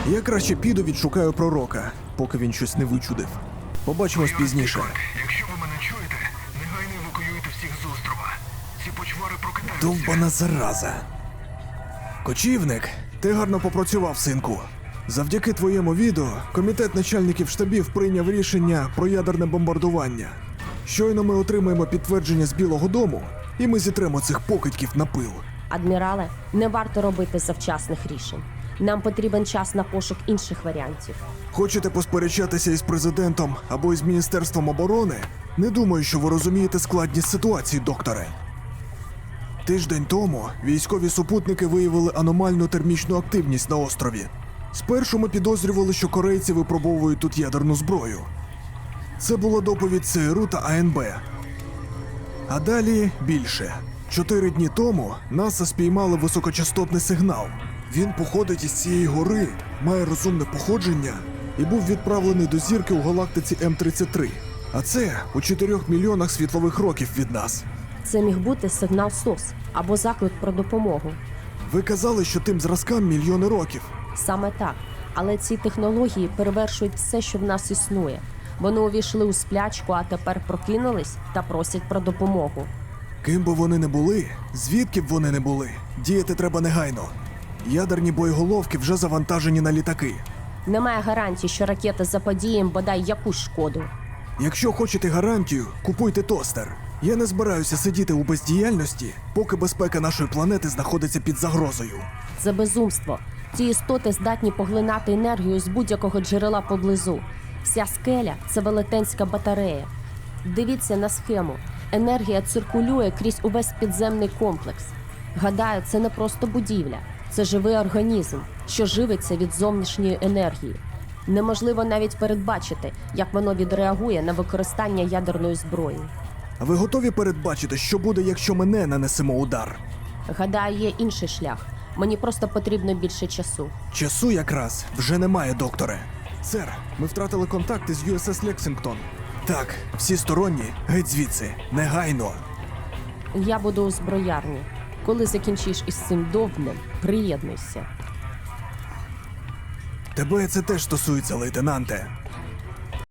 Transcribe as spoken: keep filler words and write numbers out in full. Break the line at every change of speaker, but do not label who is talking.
Я краще піду відшукаю пророка, поки він щось не вичудив. Побачимось пізніше.
Якщо ви мене чуєте, негайно евакуюйте всіх з острова. Ці почвари прокидаються.
Довбана зараза. Кочівник, ти гарно попрацював, синку. Завдяки твоєму відео комітет начальників штабів прийняв рішення про ядерне бомбардування. Щойно ми отримаємо підтвердження з Білого дому, і ми зітремо цих покидьків на пил.
Адмірале, не варто робити завчасних рішень. Нам потрібен час на пошук інших варіантів.
Хочете посперечатися із президентом або із Міністерством оборони? Не думаю, що ви розумієте складність ситуації, докторе. Тиждень тому військові супутники виявили аномальну термічну активність на острові. Спершу ми підозрювали, що корейці випробовують тут ядерну зброю. Це була доповідь ЦРУ та АНБ. А далі більше. Чотири дні тому НАСА спіймали високочастотний сигнал. Він походить із цієї гори, має розумне походження і був відправлений до зірки у галактиці М тридцять три. А це у чотирьох мільйонах світлових років від нас.
Це міг бути сигнал СОС або заклик про допомогу.
Ви казали, що тим зразкам мільйони років.
Саме так. Але ці технології перевершують все, що в нас існує. Вони увійшли у сплячку, а тепер прокинулись та просять про допомогу.
Ким би вони не були, звідки б вони не були, діяти треба негайно. Ядерні боєголовки вже завантажені на літаки.
Немає гарантій, що ракета заподіє їм бодай якусь шкоду.
Якщо хочете гарантію, купуйте тостер. Я не збираюся сидіти у бездіяльності, поки безпека нашої планети знаходиться під загрозою.
Це безумство. Ці істоти здатні поглинати енергію з будь-якого джерела поблизу. Вся скеля – це велетенська батарея. Дивіться на схему. Енергія циркулює крізь увесь підземний комплекс. Гадаю, це не просто будівля. Це живий організм, що живиться від зовнішньої енергії. Неможливо навіть передбачити, як воно відреагує на використання ядерної зброї.
А ви готові передбачити, що буде, якщо ми не нанесемо удар?
Гадаю, є інший шлях. Мені просто потрібно більше часу.
Часу якраз вже немає, докторе. Сер, ми втратили контакти з ю ес ес Лексингтон. Так, всі сторонні, геть звідси, негайно.
Я буду у зброярні. Коли закінчиш із цим довбнем, приєднуйся.
Тебе це теж стосується, лейтенанте.